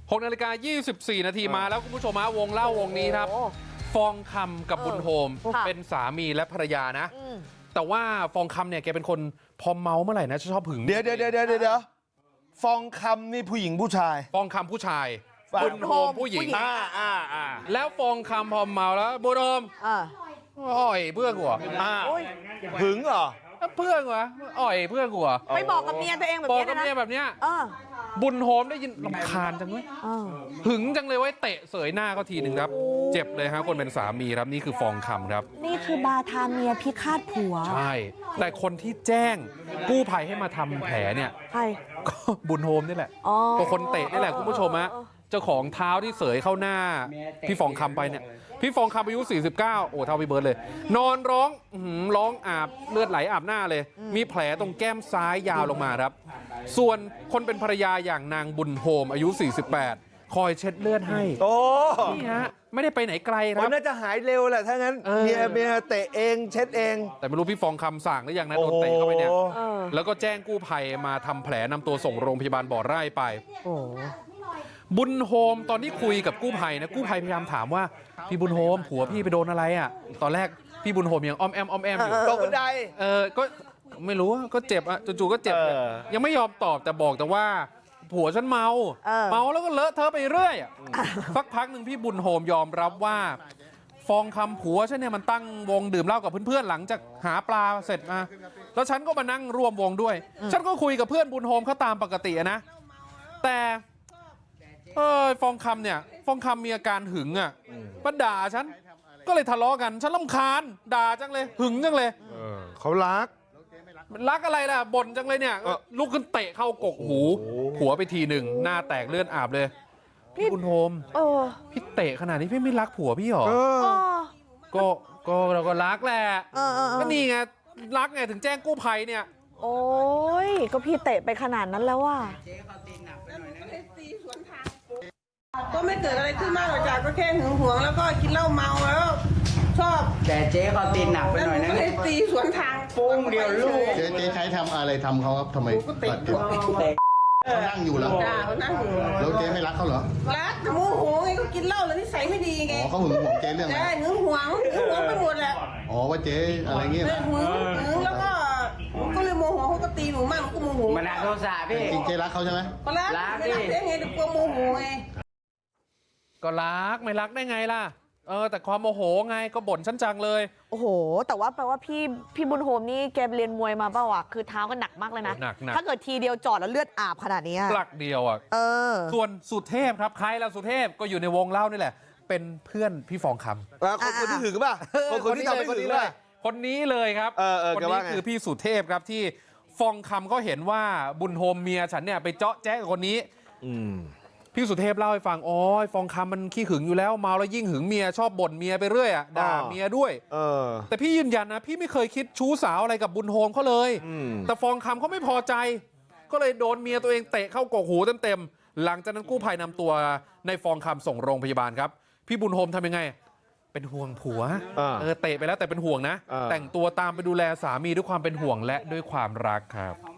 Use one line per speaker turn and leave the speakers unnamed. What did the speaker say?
6:24 นาทีมาแล้วคุณผู้ชมฮะวงเล่าวงนี้ครับฟองคำกับบุญโฮมเป็นสามีและภรรยานะแต่ว่าฟองคำเนี่ยแกเป็นคนพอเมาเมื่อไหร่นะชอบหึง
เดี๋ยวฟองคำนี่ผู้หญิงผู้ชาย
ฟองคำผู้ชายบุญโฮมผู้หญิงแล้วฟองคำพอเมาแล้วบุญโฮมอ่อยเพื่อนกู
หึงเหรอ
เพื่อนกูอ่อยเพื่อนกู
ไปบอกกับเมียตัวเองแบบนี้นะบอกกับ
เมียแบบเนี้ยบุญโฮมได้ยินรำคาญจังเลยหึงจังเลยไว้เตะเสยหน้าเขาทีหนึ่งครับเจ็บเลยฮะคนเป็นสามีครับนี่คือฟองคำครับ
นี่คือบาทาเมียพิฆาตผัว
ใช่แต่คนที่แจ้งกู้ภัยให้มาทำแผลเนี่ย
ใช่
ก็บุญโฮมนี่แหละก็คนเตะนี่แหละคุณผู้ชมฮะเจ้าของเท้าที่เสยเข้าหน้าพี่ฟองคำไปเนี่ยพี่ฟองคำอายุ49โอ้เท่าพี่เบิร์ดเลยนอนร้องอาบเลือดไหลอาบหน้าเลยมีแผลตรงแก้มซ้ายยาวลงมาครับส่วนคนเป็นภรรยาอย่างนางบุญโฮมอายุ48คอยเช็ดเลือดให้นี่ฮะไม่ได้ไปไหนไกลครับ
น่าจะหายเร็วแหละถ้างั้นเมียเตะเองเช็ดเอง
แต่ไม่รู้พี่ฟองคำสั่งหรือยังนะโดนเตะเข้าไปเนี่ยแล้วก็แจ้งกู้ภัยมาทำแผลนำตัวส่งโรงพยาบาลบ่อไร่ไปบุญโฮมตอนที่คุยกับกู้ภัยนะกู้ภัยพยายามถามว่าพี่บุญโฮมผัวพี่ไปโดนอะไรอ่ะตอนแรกพี่บุญโฮมยังอ้อมแอมอยู่
ตกบันได
ก็ไม่รู้ก็เจ็บอ่ะจู่ๆก็เจ็บยังไม่ยอมตอบแต่บอกแต่ว่าผัวฉันเมาแล้วก็เลอะเทอะไปเรื่อยสักพักหนึ่งพี่บุญโฮมยอมรับว่าฟองคำผัวฉันเนี่ยมันตั้งวงดื่มเหล้ากับเพื่อนๆหลังจากหาปลาเสร็จมาแล้วฉันก็มานั่งร่วมวงด้วยฉันก็คุยกับเพื่อนบุญโฮมเขาตามปกตินะแต่ฟองคำเนี่ยฟองคำมีอาการหึงอ่ะมาด่าฉันก็เลยทะเลาะกันฉันรำคาญด่าจังเลยหึงจังเลย
เขารัก
อะไรล่ะบ่นจังเลยเนี่ยลุกขึ้นเตะเข้ากกหูผัวไปทีหนึ่งหน้าแตกเลือดอาบเลยพี่บุญโฮมพี่เตะขนาดนี้พี่ไม่รักผัวพี่หรอก็เราก็รักแหละก็นี่ไงรักไงถึงแจ้งกู้ภัยเนี่ย
โอ้ยก็พี่เตะไปขนาดนั้นแล้วว่ะ
ก็ไม่เกิดอะไรขึ้นมากหรอกจ้ะก็แค่หึงหวงแล้วก็กินเหล้าเมาแล้วชอบ
แต่เจ๊เขาตีหนักไปหน่อยนะ
เลยตีสวนทาง
โป้งเดียวลูก
เจ๊ใช้ทำอะไรทำเขาครับทำไมเขานั่งอยู่แล้ว
เขานั่งอยู่
แล้วเจ๊ไม่รักเขาเหรอ
รักแต่โมโหไงก็กินเหล้าแล้วนิสัยไม่ดีไง
เขาหึงหวงเจ๊เรื่องอะไร
หึงหวงไปหมดแหละ
ว่าเจ๊อะไรเงี้ย
หึงแล้วก็เลยโมโหเขาก็ตีหนูมากก็โมโห
มันโทษสาพี่
จริงเจ๊รักเขาใช่ไหม
รักเจ๊ไงแต่กลัวโมโหไง
ก็รักไม่รักได้ไงล่ะแต่ความโมโหไงก็บ่นฉันจังเลย
โอ้โหแต่ว่าแปลว่าพี่บุญโฮมนี่แกเรียนมวยมาเปล่าวะคือเท้าก็หนักมากเลยนะถ้าเกิดทีเดียวจอดแล้วเลือดอาบขนาดนี้
หลักเดียวอ่ะส่วนสุเทพครับใครล่ะสุเทพก็อยู่ในวงเล่านี่แหละเป็นเพื่อนพี่ฟองค
ำคนที่หึงป่ะคนที่ทำให้หึงเลย
คนนี้เลยครับคนนี้คือพี่สุเทพครับที่ฟองคำก็เห็นว่าบุญโฮมเมียฉันเนี่ยไปเจาะแจ๊กับคนนี้พี่สุเทพเล่าให้ฟังฟองคำมันขี้หึงอยู่แล้วเมาแล้วยิ่งหึงเมียชอบบ่นเมียไปเรื่อยด่าเมียด้วยแต่พี่ยืนยันนะพี่ไม่เคยคิดชู้สาวอะไรกับบุญโฮมเขาเลยแต่ฟองคำเขาไม่พอใจก็เลยโดนเมียตัวเองเตะเข้ากกหูเต็มๆหลังจากนั้นกู้ภัยนำตัวในฟองคำส่งโรงพยาบาลครับพี่บุญโฮมทำยังไงเป็นห่วงผัวเตะไปแล้วแต่เป็นห่วงนะแต่งตัวตามไปดูแลสามีด้วยความเป็นห่วงและด้วยความรักครับ